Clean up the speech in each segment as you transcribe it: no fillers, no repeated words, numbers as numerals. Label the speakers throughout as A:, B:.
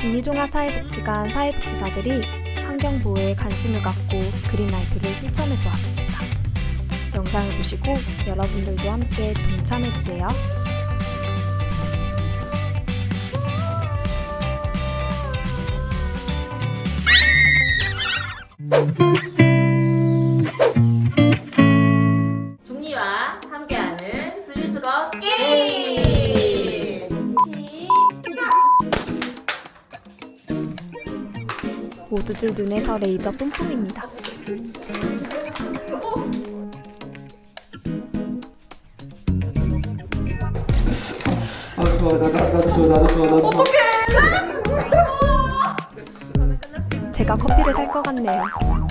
A: 중리종합사회복지관 사회복지사들이 환경보호에 관심을 갖고 그린라이프를 실천해 보았습니다. 영상을 보시고 여러분들도 함께 동참해주세요.
B: 중리와 함께하는 분리수거 게임!
A: 모두들 눈에서 레이저 뿜뿜입니다.
C: 나도 좋아.
A: 제가 커피를 살 것 같네요.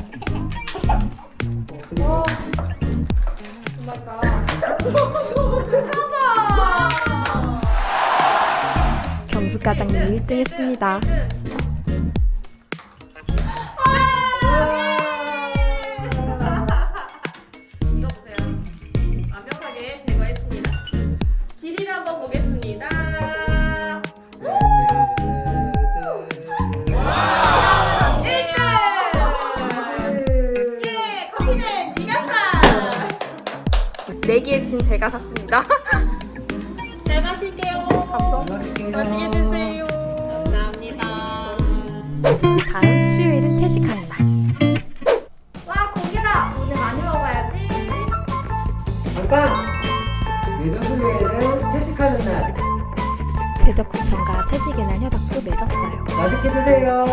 A: 경숙 과장님이 1등 했습니다.
B: 이거 보세요. 완벽하게 제거했습니다. 길이를 한번 보겠습니다. 예, 커피는 네가 사.
D: 내기에 진 제가 샀습니다.
B: 잘 마실게요.
D: 맛있게 드세요.
B: 감사합니다.
A: 다음 수요일은 채식하는 날.
D: 와, 고기다. 오늘 많이 먹어야지.
C: 잠깐! 예전 수요일은 채식하는 날.
A: 대덕구청과 채식의 날 협약도 맺었어요.
C: 맛있게 드세요.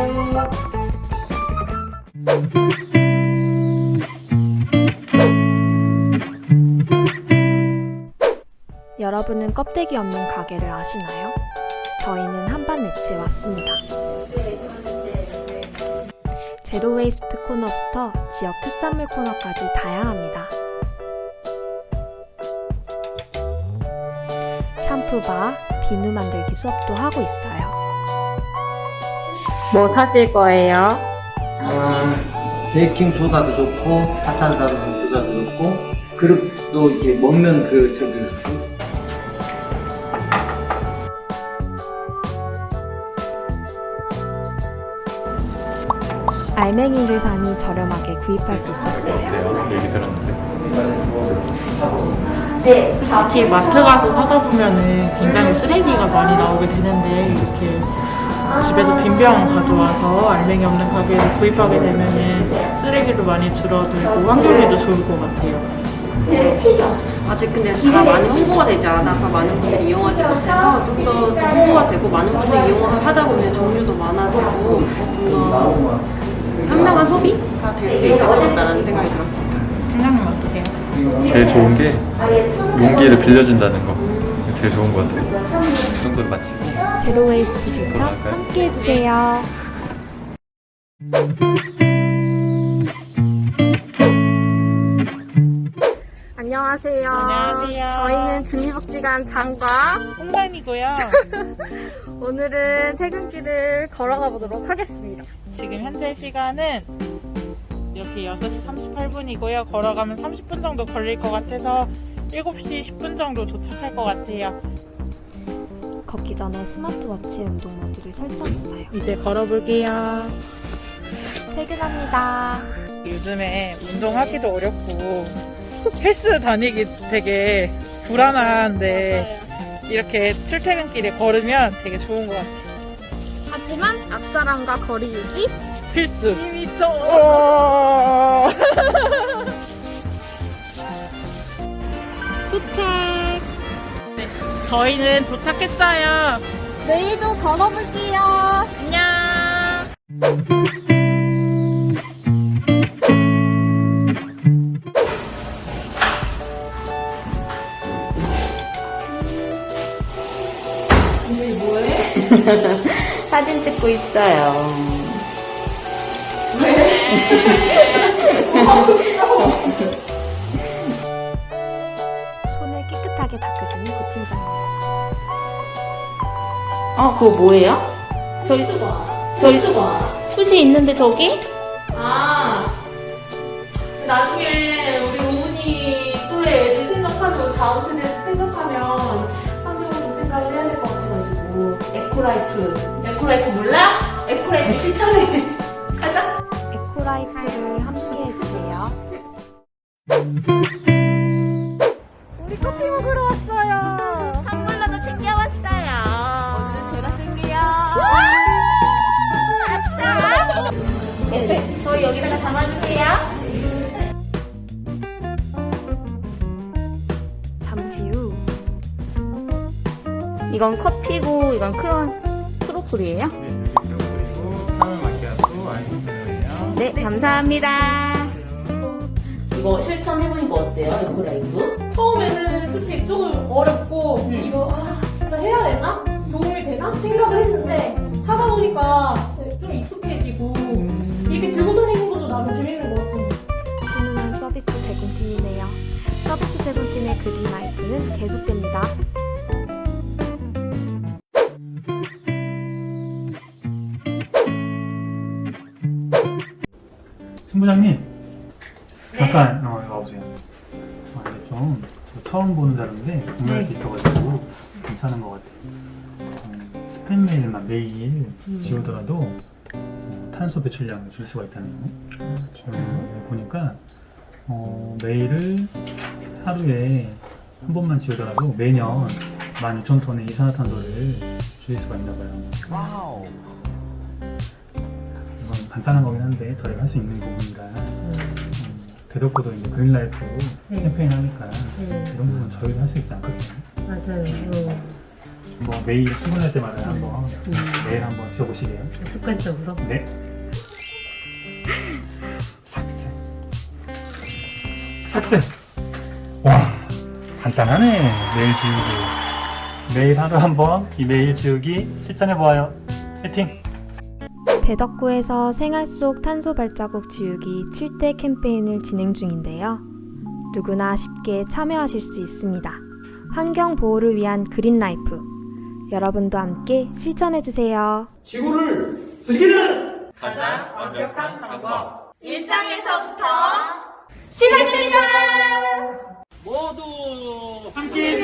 A: 여러분은 껍데기 없는 가게를 아시나요? 저희는 한반네츠에 왔습니다. 제로 웨이스트 코너부터 지역 특산물 코너까지 다양합니다. 샴푸바, 비누 만들기 수업도 하고 있어요.
D: 뭐 사실 거예요?
C: 베이킹 소다도 좋고, 파탄산 소다도 좋고, 그릇도 이렇게 먹는
A: 알맹이를 사니 저렴하게 구입할 수 있었어요.
E: 얘기 들었는데.
F: 특히 마트 가서 사다 보면은 굉장히 쓰레기가 많이 나오게 되는데 이렇게 집에서 빈 병 가져와서 알맹이 없는 가게에서 구입하게 되면은 쓰레기도 많이 줄어들고 환경에도 좋을 것 같아요.
G: 아직 근데 다 많이 홍보가 되지 않아서 많은 분들이 이용하지 못해서 좀 더 홍보가 되고 많은 분들이 이용을 하다 보면 종류도 많아지고 좀 더 현명한 소비가 될 수 있을 것 같다는 생각이 들었습니다.
F: 팀장님 어떠세요?
E: 제일 좋은 게 용기를 빌려준다는 거. 제일 좋은 것 같아요. 이 정도로 마치고.
A: 제로 웨이스트 실천 함께 해주세요.
D: 안녕하세요.
F: 안녕하세요.
D: 저희는 중리복지관 장과
F: 홍단이고요.
D: 오늘은 퇴근길을 걸어가 보도록 하겠습니다.
F: 지금 현재 시간은 이렇게 6시 38분이고요. 걸어가면 30분 정도 걸릴 것 같아서 7시 10분 정도 도착할 것 같아요.
A: 걷기 전에 스마트워치의 운동 모드를 설정했어요.
F: 이제 걸어볼게요.
A: 퇴근합니다.
F: 요즘에 운동하기도 어렵고 헬스 다니기 되게 불안한데 이렇게 출퇴근길에 걸으면 되게 좋은 것 같아요.
D: 하지만 앞사람과 거리 유지
F: 필수! 2m!
D: 도착!
F: 저희는 도착했어요.
D: 내일도 걸어볼게요.
F: 안녕!
G: 사진 찍고 있어요.
A: 손을 깨끗하게 닦으시는 고팀장님.
G: 그거 뭐예요? 저기 휴지 있는데 저기? 나중에 우리 로운이 또래 애들 생각하면 다음 세대 생각하면 환경을 좀 생각을 해야 될 것 같아가지고 에코라이프
B: 에코라이프 몰라? 에코라이프 실천해. 가자.
A: 에코라이프를 함께 해주세요.
D: 우리 커피 먹으러 왔어요.
B: 선물로도 챙겨왔어요.
D: 오늘은 제가 쓸게요.
B: 아싸. 네, 저희 여기다가 담아주세요.
A: 잠시 후
D: 이건 커피고 이건 크로플이에요?
E: 네, 그리고 파는 마키아토 아이스크림이에요.
D: 네, 감사합니다.
G: 이거 실천해보니까 어때요? 에코라이프?
B: 처음에는 솔직히 조금 어렵고 이거 진짜 해야 되나? 도움이 되나? 생각을 했는데 하다 보니까 좀 익숙해지고 이렇게 들고 다니는 것도 나름 재밌는 것 같아요.
A: 훈훈한 서비스 제공팀이네요. 서비스 제공팀의 그린라이프는 계속됩니다.
H: 신부장님 잠깐 이리 와보세요. 이게 좀 저 처음 보는 자료인데 공부할 게 있어가지고 괜찮은 것 같아요. 스팸 메일만 매일 지우더라도 탄소 배출량을 줄 수가 있다네요. 보니까 메일을 하루에 한 번만 지우더라도 매년 12,000톤의 이산화탄소를 줄일 수가 있나 봐요. 이건 간단한 거긴 한데 저희가 할 수 있는 부분이라 대덕구도 이제 그린라이프 캠페인 하니까 이런 부분 저희도 할 수 있지 않겠어요?
I: 맞아요.
H: 뭐 매일 출근할 때마다 한번 매일 한번 지워보시게요.
I: 습관적으로.
H: 네. 삭제. 삭제. 와, 간단하네. 메일 지우기. 매일 하루 한번 이 메일 지우기 실천해보아요. 화이팅!
A: 대덕구에서 생활 속 탄소 발자국 지우기 7대 캠페인을 진행 중인데요. 누구나 쉽게 참여하실 수 있습니다. 환경 보호를 위한 그린라이프. 여러분도 함께 실천해주세요.
C: 지구를 지키는
B: 가장 완벽한 방법.
D: 일상에서부터 시작됩니다.
C: 모두 함께